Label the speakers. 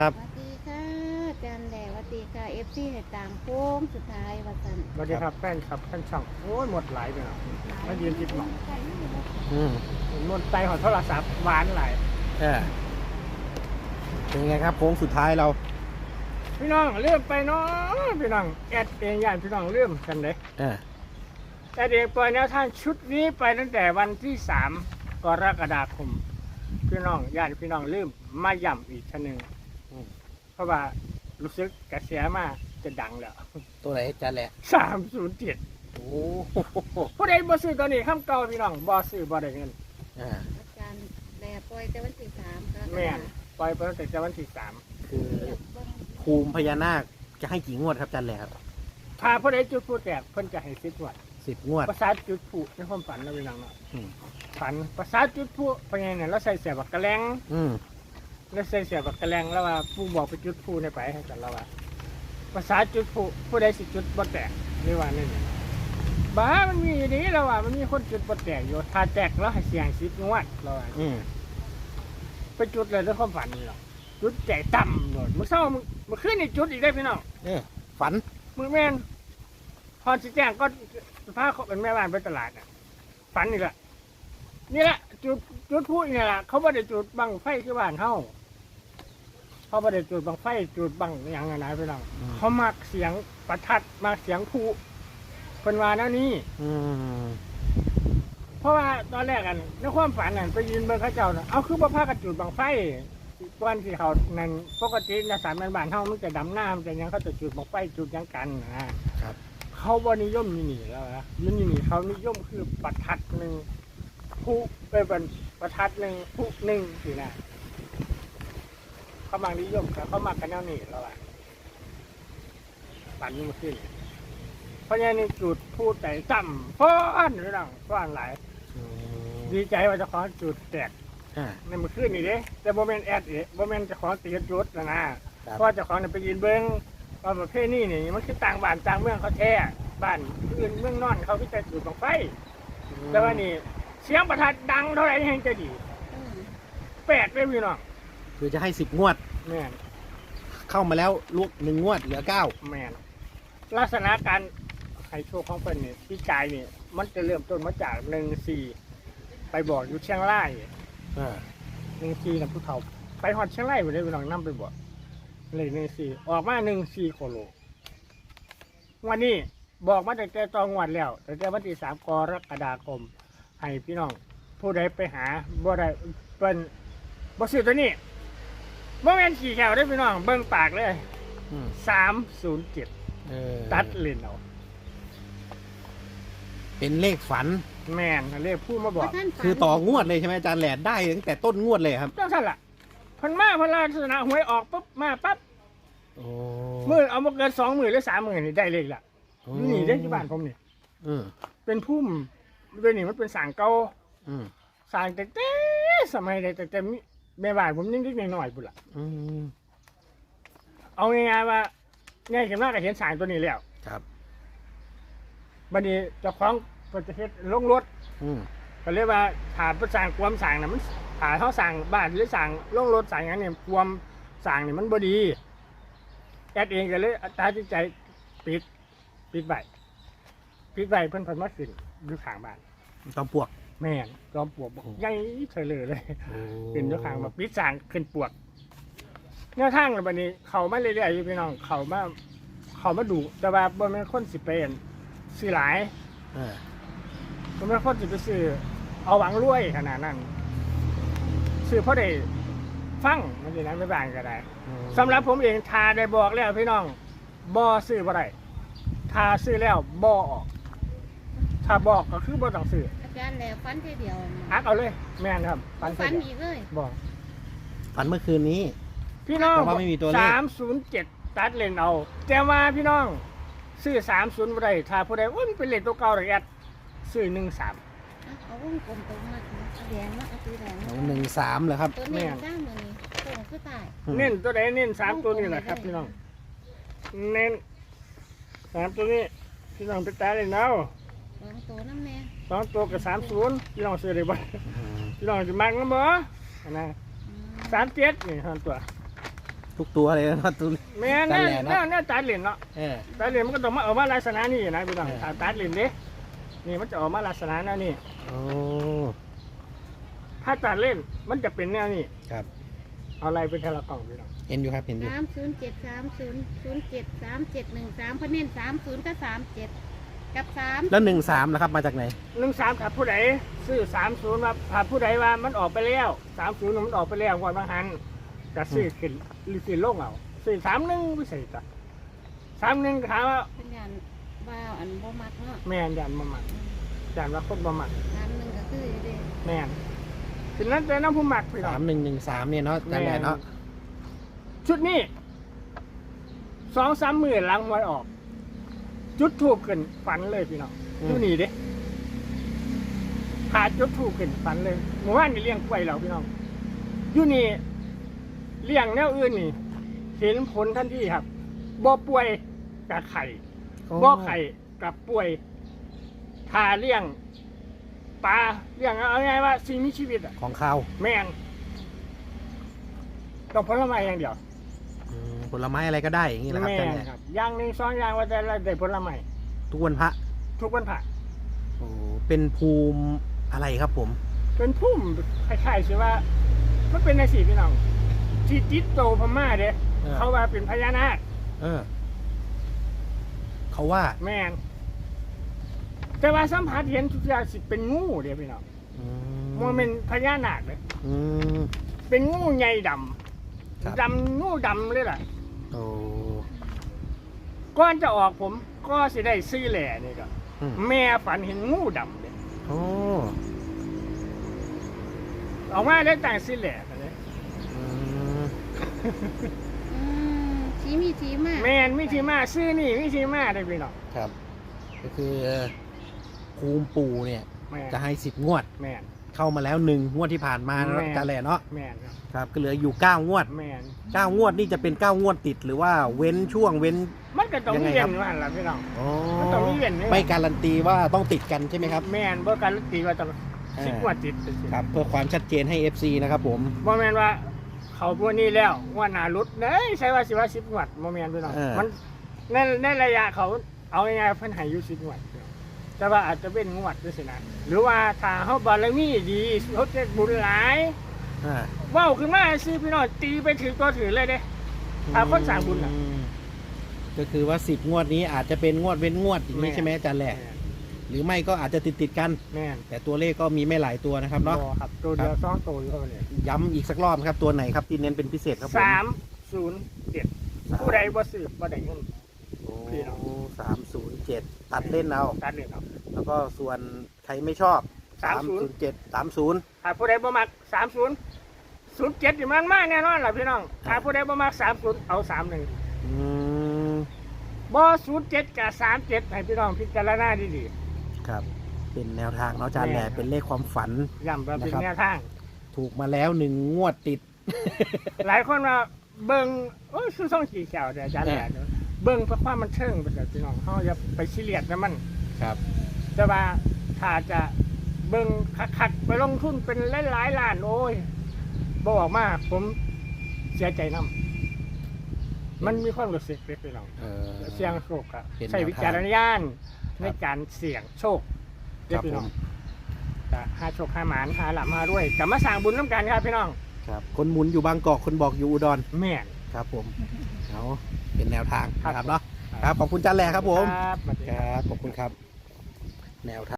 Speaker 1: ครับ
Speaker 2: สวัสดีค่ะจันแดดสวัสดีค่ะFC ให้ตามโค้งสุดท้ายวันจันทร์
Speaker 3: สวัสดีครับแฟนครับแฟนช่องโอ้ยหมดหลายไปแล้วมายืนติดหมอง
Speaker 1: อืม
Speaker 3: หมดใจของโทรศัพท์หวานหลาย
Speaker 1: เออเป็นไงครับโค้งสุดท้ายเรา
Speaker 3: พี่น้องเลื่อมไปเนาะพี่น้องแอดเองย่านพี่น้องเลื่อมกันเลย
Speaker 1: เออ
Speaker 3: แอดเองปล่อยแนวทางชุดนี้ไปตั้งแต่วันที่3 กรกฎาคมพี่น้องย่านพี่น้องเลื่อมมาย่ำอีกชั้นหนึ่งเพราะว่ารู้สึกกระแสมาจะดังแล้ว
Speaker 1: ตัวไหนจันแหละ
Speaker 3: 307
Speaker 1: โอ้โห
Speaker 3: ผู้ใดบ่ซื้อตัวนี้ข้ามเก่าพี่น้องบ่ซื้อบ่ได้เงิน
Speaker 1: อ่า
Speaker 2: อาจารย์แดดปล่อยแต่วันที่3ค่ะ
Speaker 3: แม่นปล่อยไปตั้งแต่วันที่3
Speaker 1: คือภูมิพญานาคจะให้กี่งวดครับจันแหละครับ
Speaker 3: ถ้าผู้ใดจุดผู้แตกเพิ่นจะให้10 วัด
Speaker 1: 10 งวด
Speaker 3: ภาษาจุดผู้ในความฝันนะพี่น้องเนาะ
Speaker 1: อืม
Speaker 3: ฝันภาษาจุดผู้เป็นไงเนี่ยเราใส่เสียบักกระแลง
Speaker 1: อืม
Speaker 3: เราใส่เสียบักกระแลงแล้วว่าผู้บอกไปจุดผู้ในไปให้กันแล้วว่าภาษาจุดผู้ใดสิจุดบ่แตกหรือว่านี่บ้ามันมีอยู่นี้แล้วว่ามันมีคนจุดบ่แตกอยู่ถ้าแตกแล้วให้เสียง10 งวดแล้วว่า
Speaker 1: อืม
Speaker 3: ไปจุดเลยในความฝันนี่หรอกจุดใจต่ำโดดมื้อเช้ามื้อคืนนี่จุดอีกได้พี่น้อง
Speaker 1: เออฝัน
Speaker 3: มื้อแม่นพอสิแจ้งก็พาเขาเป็นแม่บ้านไปตลาดน่ะฝันนี่แหละนี่แหละจุดพูดนี่แหละเขาไม่ได้จุดบังไฟคือบ้านเฮาเขาไม่ได้จุดบังไฟจุดบังอย่างไรพี่น้องเขามักเสียงประทัดมักเสียงผู้เป็นว่าแนวนี้
Speaker 1: อืม
Speaker 3: เพราะว่าตอนแรกกันในความฝันนั่นไปยืนเบิ่งเขาเจ้าน่ะเอาคือบ่พากันจุดบังไฟวันที่เขานั่นปกติในสามบ้านเฮามันจะดำน้ำแต่ยังเขาจะจุดบังไฟจุดหยังกันนะครับ เขาบ่นิยมนี่แล้วนะนี่เขานิยมคือประทัดหนึ่งผู้เป็นประทัดหนึ่งผู้หนึ่งสินะเขามักนิยมเขามักกันแนวนี้แล้วอ่ะปั่นยิ่งขึ้นเพราะงั้นนี่จุดพูดแต่จำฟ้อนหรือดังฟ้อนหลาย
Speaker 1: อืม
Speaker 3: ดีใจว่าเจะขอจุดแตก
Speaker 1: อ่า
Speaker 3: ในเมื่อคืนนี่เด้แต่โมเมนต์แอดเอ๋โมเมนต์จะขอตีจุดนะเพราะเจะขอเนี่ยไปยืนเบิ้งว่าประเภทนี้นี่มันคือต่างบ้านต่างเมืองเขาแท้บ้านอื่นเมืองนอนเขาพิจารจุดบังไฟ แต่ว่านี่เสียงประทัดดังเท่าไหร่ยังจะดี
Speaker 2: อืม
Speaker 3: 8เลยพี่น้อง
Speaker 1: คือจะให้10 งวด
Speaker 3: แม่น
Speaker 1: เข้ามาแล้วลูก1 งวดเหลือ
Speaker 3: แม่นลักษณะการให้โชคของเพิ่นนี่พี่กายนี่มันจะเริ่มต้นมาจาก14ไปบอกอยู่เชียงราย
Speaker 1: 9อ่า
Speaker 3: 14นำผู้เฒ่าไปฮอดเชียงรายบ่ได้พี่น้องนำไปบอกเลข14ออกมา14โคโลวันนี้บอกมาตั้งแต่ตอนงวดแล้วตั้งแต่วันที่3 กรกฎาคมให้พี่น้องผู้ใดไปหาบ่ได้เปิ้นบ่ซื้อตัวนี้บ่แม่นขี่แขวได้อพี่น้องเบิ่งปากเลย
Speaker 1: อืม
Speaker 3: 307
Speaker 1: เออ
Speaker 3: ตัดเลนเอา
Speaker 1: เป็นเลขฝัน
Speaker 3: แม่นเรียกผู้มาบอก
Speaker 2: ท่านฝัน
Speaker 1: คือต่องวดเลยใช่ไหมจันแหละได้ตั้งแต่ต้นงวดเลยครับ
Speaker 3: จังซั่นล่ะเพิ่นมาเพิ่นลักษณะหวยออกปุ๊บมาปั๊บ
Speaker 1: โอ้
Speaker 3: มื้อเอาบ่เกิน2มื้อหรือ3มื้อนี่ได้เลขละอยู่นี่เด้อที่บ้านผมนี่
Speaker 1: อืม
Speaker 3: เป็นพุ่มด้วยนี่มันเป็นสางเก่า
Speaker 1: อืม
Speaker 3: สางแต่สมัยใดแต่มีแม่บ้านผมยังเล็กๆน้อยๆพุ่นล่ะ
Speaker 1: อืม
Speaker 3: เอาง่ายๆว่าง่ายขึ้นมาก็เห็นสางตัวนี้แล้ว
Speaker 1: ครับ
Speaker 3: บัดนี้เจ้าของเพิ่นจะเฮ็ดลงรถ
Speaker 1: อืม
Speaker 3: ก็เรียกว่าถ้าเพิ่นสร้างความสร้างน่ะมันถ้าเฮาสร้างบ้านหรือสร้างลงรถสร้างหยังเนี่ยความสร้างนี่มันบ่ดีแอดเองก็เลยตัดสินใจปิดไว้เพิ่นมาขึ้นอยู่ข้างบ้าน
Speaker 1: ตอมปวก
Speaker 3: แม่นจอมปลวกบอกใหญ่เฉยเลย
Speaker 1: โอ้
Speaker 3: ขึ้นอยู่ข้างมาปิดสร้างขึ้นปลวกแนวทางเลยบัดนี้เข้ามาเรื่อยๆอยู่พี่น้องเข้ามาดูแต่ว่าบ่แม่นคนสิเป็นซื้อหลาย
Speaker 1: เออ
Speaker 3: บ่แม่นคนสิไปซื้อเอาหวังรวยขนาดนั้นซื้อเพราะได้ฟังมันสินั้นไม่บางก็ได้ สำหรับผมเองทาได้บอกแล้วพี่น้องบ่ซื้อบ่ได้ทาซื้อแล้วบ่ออกถ้าบอกก็คือบ่ต้องซื้อ
Speaker 2: อาจารย์แดดฝันทีเดียว
Speaker 3: อักเอาเลย แม่นครับ
Speaker 2: ฝัน
Speaker 3: เสร็จ
Speaker 2: อีกเลย
Speaker 3: บอก
Speaker 1: ฝันเมื่อคืนนี้
Speaker 3: พี่น้อง
Speaker 1: แต่ว่าไม่มีตัวเลข
Speaker 3: 307ตัดเลนเอาแต่ว่าพี่น้องซื้อ30บ่ได้ถ้าผู้ใดโอ้ยมันเป็นเลขตัวเก่าเลยแอดซื้อ13
Speaker 2: เอาวงกลมตรงมาเอาแดงมาเอาสีแดงมา
Speaker 1: 13เหรอครับ
Speaker 2: ตัวนี้ด้านมือนี้โค้งคือตาย
Speaker 3: เน้นตัวใดเน้น3ตัวนี้แหละครับพี่น้องเน้น3ตัวนี้พี่น้องไปตัดเลนเอา
Speaker 2: สองตัวน้ำแม่
Speaker 3: 2ตัวกับ30พี่น้องซื้อได้บ่พี่น้องสิมักนำบ่นะ
Speaker 2: อืม
Speaker 3: 37นี่เท่านั้นตัว
Speaker 1: ทุกตัวเลยนะตัว
Speaker 3: แม่น
Speaker 1: ตัด
Speaker 3: แน่
Speaker 1: แหล่เนาะ
Speaker 3: แน่ตัดเหรียญเนาะ
Speaker 1: เออ
Speaker 3: ตัดเหรียญมันก็ต้องมาออกมาลักษณะนี้นะพี่น้อง
Speaker 1: เออ
Speaker 3: ถ้าตัดเหรียญเด้นี่มันจะออกมาลักษณะแนวนี้
Speaker 1: โอ้
Speaker 3: ถ้าตัดเล่นมันจะเป็นแนวนี้
Speaker 1: ครับ
Speaker 3: เอาอะไรเป็นเทละกล่องพี่น้อง
Speaker 1: เห็นอยู่ครับเห็นอยู่
Speaker 2: 30730073713เพราะเน้น30กับ37กับ3
Speaker 1: แล้ว13นะครับมาจากไหน
Speaker 3: 13ถ้าผู้ใดซื้อ30มาถ้าผู้ใดว่ามันออกไปแล้ว30มันออกไปแล้วก่อนบางหันจะซื้อขึ้นหรือซื้อลงเอาซื้อ31ไม่ใช่จ้ะ31ถามว่า
Speaker 2: เป็นงานว่าวอันบ่มักเนาะ
Speaker 3: แม่นยันบ่มักยันว่าคนบ่มัก
Speaker 2: 31ก็คือเด้
Speaker 3: แม่นถึงนั้นแต่น้ำผู้มักพี่น้อง
Speaker 1: 3113เนี่ยเนาะอาจารย์แหล่เนาะ
Speaker 3: ชุดนี้2-3 มื้อหลังหวยออก จุดถูกขึ้นฝันเลยพี่น้องอยู่นี่เด้ขาจุดถูกขึ้นฝันเลยเมื่อวานนี่เลี้ยงกล้วยเราพี่น้องอยู่นี่เลี้ยงแนวอื่นนี่เห็นผลทันทีครับบ่ป่วยกับไข่บ่ไข่กับป่วยทาเลี้ยงปลาเลี้ยงเอาไงว่าสิ่งมีชีวิตอะ
Speaker 1: ของข้าว
Speaker 3: แม่งต้องผลไม้อย่างเดียว
Speaker 1: ผลไม้อะไรก็ได้อย่างนี้แหละครับ
Speaker 3: แม่
Speaker 1: อาจารย์
Speaker 3: ง
Speaker 1: แหล่
Speaker 3: ครับอย่างหนึ่ง2อย่างว่าแต่ละได้ผลไม้
Speaker 1: ทุกวันพระ
Speaker 3: ทุกวันผ่า
Speaker 1: โอ้เป็นภูมิอะไรครับผม
Speaker 3: เป็นพุ่มคล้ายๆสิว่ามันเป็นในสีพี่น้องที่จิตโตพม่าเด้เขาว่าเป็นพญานาค
Speaker 1: เออเขาว่า
Speaker 3: แม่นแต่ว่าสัมผัสเห็นทุกอย่างสิเป็นงูเด้พี่น้อง
Speaker 1: อื
Speaker 3: มันเป็นพญานาคเลย
Speaker 1: อืม
Speaker 3: เป็นงูใหญ่ด
Speaker 1: ครับ
Speaker 3: ำดำงูดำเลยล่ะ
Speaker 1: โอ้
Speaker 3: ก่อนจะออกผมก็สิได้ซื้อแหล่นี่ก็
Speaker 1: อืม
Speaker 3: แม่ฝันเห็นงูดำเลย
Speaker 1: โอ้
Speaker 3: ออกมาได้แต่งซื้อแหล่กันเลย
Speaker 1: อืม
Speaker 2: ชี้มีชี้มาก
Speaker 3: แม่นมิธีมาซื้อนี่มิธีมาได้พี่น้อง
Speaker 1: ครับ ก็คือภูมิปู่เนี่ย
Speaker 3: แม่น
Speaker 1: จะให้10 งวด
Speaker 3: แม่น
Speaker 1: เข้ามาแล้ว1 งวดที่ผ่านมานะ
Speaker 3: แม่
Speaker 1: อาจารย์แหล่เนาะ
Speaker 3: แม่นครับ
Speaker 1: ครับก็เหลืออยู่9 งวด
Speaker 3: แม่น
Speaker 1: 9 งวดนี่จะเป็น9 งวดติดหรือว่าเว้นช่วงเว้น
Speaker 3: มันก็ต้อง
Speaker 1: ยังไง
Speaker 3: เวีย
Speaker 1: ครั
Speaker 3: น
Speaker 1: บ
Speaker 3: ว่าหั่นล่ะพี่น้อง
Speaker 1: อ๋อ
Speaker 3: มันต้องมีเว้น
Speaker 1: ไม่การันตีว่าต้องติดกันใช่ไหมครับ
Speaker 3: แม่นบ่การันตีว่าต้อง
Speaker 1: อ่า
Speaker 3: 10 กว่าติดเป็นสิ
Speaker 1: ครับเพื่อความชัดเจนให้ FC นะครับผม
Speaker 3: บ่แม่นว่าเขาพวกนี้แล้วว่าหน้ารุดเด้ยใช่ว่าสิว่า10 งวดบ่แม่นพี่น้องมันในระยะเขาเอาง่ายๆเพิ่นให้อยู่10 งวดแต่ว่าอาจจะเป็นงวดด้วยสินะหรือว่าถ้าเฮาบารมีดีเฮาจะบุญหลาย
Speaker 1: อ่า
Speaker 3: เว้าขึ้นมาสิพี่น้องตีไปถือตัวถือเลยเด้ ถ้าคนสร้างบุญน่ะ
Speaker 1: อืมก็คือว่า10 งวดนี้อาจจะเป็นงวดเว้นงวดอย่างนี้ใช่ไหมอาจารย์แหล่หรือไม่ก็อาจจะติดกัน
Speaker 3: แม่น
Speaker 1: แต่ตัวเลขก็มีไม่หลายตัวนะครับเนาะ
Speaker 3: บ่ครับตัวเดียว2ตัวอยู่เท่านี้
Speaker 1: ย้ำอีกสักรอบครับตัวไหนครับที่เน้นเป็นพิเศษครับผม
Speaker 3: 307ผู้ใดบ่ซื้อบ่ได้เงิน พี่น้อง
Speaker 1: โอ้307 ตัดเล่นเอา
Speaker 3: ตัดเลยครับ
Speaker 1: แล้วก็ส่วนใครไม่ชอบ 307 30
Speaker 3: ถ้าผู้ใดบ่มัก30 07นี่มันมากแน่นอนล่ะพี่น้อง ถ้าผู้ใดบ่มัก30เอา31
Speaker 1: อืม
Speaker 3: บ่07กับ37ให้พี่น้องพิจารณาดี
Speaker 1: ครับ เป็นแนวทางเนาะอาจารย์แหล่เป็นเลขความฝัน
Speaker 3: ๆย้ำว่าเป็น
Speaker 1: นะครับ
Speaker 3: แนวทาง
Speaker 1: ถูกมาแล้ว1 งวดติด
Speaker 3: หลายคนว่าเบิ่งโอ้ยคือส่งกี่แถวเด้ออาจารย์แหละเบิ่งเพื่อความบันเทิงไปเถอะพี่น้องเฮาอย่าไปซีเรียสนะมัน
Speaker 1: ครับ
Speaker 3: แต่ว่าถ้าจะเบิ่งคักๆไปลงทุนเป็นหลายๆล้านโอ้ยบอกมาผมเสียใจนํมันมีความรู้สึกเล็กๆน้องเสี่ยงโชคอะ
Speaker 1: เป็นแนวทาง
Speaker 3: ใช้วิจารณญาณในการเสี่ยงโชคเล็กๆน้องจะหาโชคหาหมานหาหลับหาด้วยกลับมาสร้างบุญน้ำกันครับพี่น้อง
Speaker 1: ครับคนหมุนอยู่บางกอกคนบอกอยู่อุดร
Speaker 3: แม่น
Speaker 1: ครับผมเอาเป็นแนวทาง
Speaker 3: ครับ
Speaker 1: นะครับเนาะครับขอบคุณอาจารย์แหล่ครับผม
Speaker 3: ครับสวัสดี
Speaker 1: ครับขอบคุณครับ แนวทาง